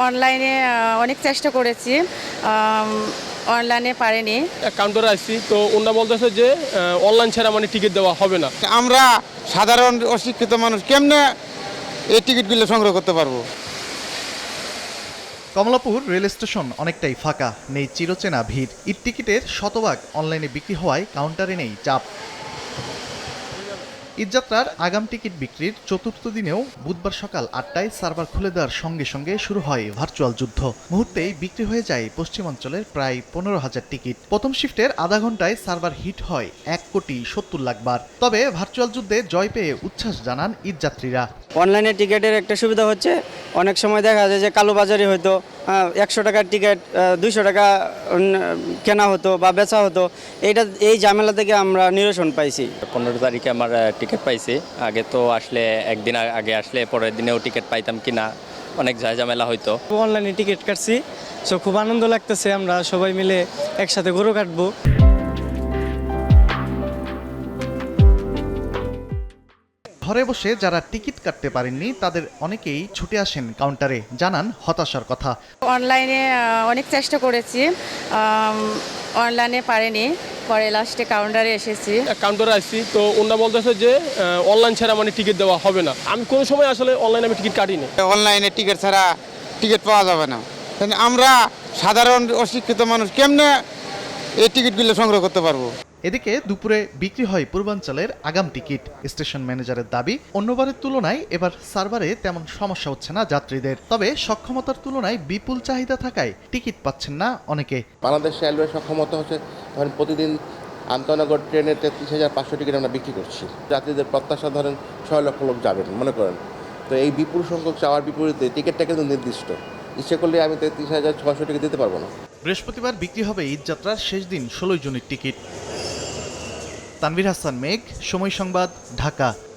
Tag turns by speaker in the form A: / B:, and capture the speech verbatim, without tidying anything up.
A: অনলাইনে অনেক চেষ্টা করেছি, অনলাইনে পারেনি।
B: কাউন্টারে আসছি তো ওনারা বলতেছে যে অনলাইন ছাড়া মানে টিকিট দেওয়া হবে না।
C: আমরা সাধারণ অশিক্ষিত মানুষ কেমনে এই টিকিটগুলো সংগ্রহ করতে পারবো?
D: কমলাপুর রেল স্টেশন অনেকটাই ফাঁকা, নেই চিরচেনা ভিড়। ঈদ টিকিটের শতভাগ অনলাইনে বিক্রি হওয়ায় কাউন্টারে নেই চাপ। ঈদযাত্রার আগাম টিকিট বিক্রির চতুর্থ দিনেও বুধবার সকাল আটটায় সার্ভার খুলে দেওয়ার সঙ্গে সঙ্গে শুরু হয় ভার্চুয়াল যুদ্ধ। মুহূর্তেই বিক্রি হয়ে যায় পশ্চিমাঞ্চলের প্রায় পনেরো হাজার টিকিট। প্রথম শিফটের আধা ঘন্টায় সার্ভার হিট হয় এক কোটি সত্তর লাখ বার। তবে ভার্চুয়াল যুদ্ধে জয় পেয়ে উচ্ছ্বাস জানান ঈদযাত্রীরা।
E: অনলাইনে টিকিটের একটা সুবিধা হচ্ছে, অনেক সময় দেখা যায় যে কালোবাজারি হয়তো একশো টাকার টিকিট দুইশো টাকা কেনা হতো বা বেচা হতো, এইটা এই ঝামেলা থেকে আমরা নিরসন পাইছি।
F: পনেরো তারিখে আমার টিকিট পাইছি। আগে তো আসলে একদিন আগে আসলে পরের দিনেও টিকিট পাইতাম কিনা অনেক ঝামেলা হইতো।
E: অনলাইনে টিকিট কাটছি, সো খুব আনন্দ লাগতেছে। আমরা সবাই মিলে একসাথে গরু কাটবো।
D: ঘরে বসে যারা টিকিট কাটতে পারেননি তাদের অনেকেই ছুটে আসেন কাউন্টারে, জানান হতাশার কথা।
A: অনলাইনে অনেক চেষ্টা করেছি, অনলাইনে পারেনি, পরে লাস্টে কাউন্টারে এসেছি।
B: কাউন্টারে আসছি তো ওনারা বলতেছে যে অনলাইন ছাড়া মানে টিকিট দেওয়া হবে না। আমি কোনো সময় আসলে অনলাইনে আমি টিকিট কাটিনি।
C: অনলাইনে টিকিট ছাড়া টিকিট পাওয়া যাবে না। আমরা সাধারণ অশিক্ষিত মানুষ কেমনে এই টিকিটগুলো সংগ্রহ করতে পারবো?
D: এদিকে দুপুরে বিক্রি হয় পূর্বাঞ্চলের আগাম টিকিট। স্টেশন ম্যানেজারের দাবি, অন্যবারের তুলনায় এবার সার্ভারে তেমন সমস্যা হচ্ছে না যাত্রীদের। তবে সক্ষমতার তুলনায় বিপুল চাহিদা থাকায় টিকিট পাচ্ছেন না অনেকে।
G: বাংলাদেশ রেলওয়ের সক্ষমতা হচ্ছে ধরেন প্রতিদিন আন্তনগর ট্রেনে তেত্রিশ হাজার পাঁচশো টিকিট আমরা বিক্রি করছি। যাত্রীদের প্রত্যাশা ধরেন ছয় লক্ষ লোক যাবেন মনে করেন, তো এই বিপুল সংখ্যক চাওয়ার বিপরীতে টিকিটটা কিন্তু নির্দিষ্ট। ইচ্ছে করলে আমি তেত্রিশ হাজার ছয়শো টিকিট দিতে পারবো না।
D: বৃহস্পতিবার বিক্রি হবে ঈদযাত্রার শেষ দিন ষোলোই জুনের টিকিট। তানভীর হাসান মেঘ, সময় সংবাদ, ঢাকা।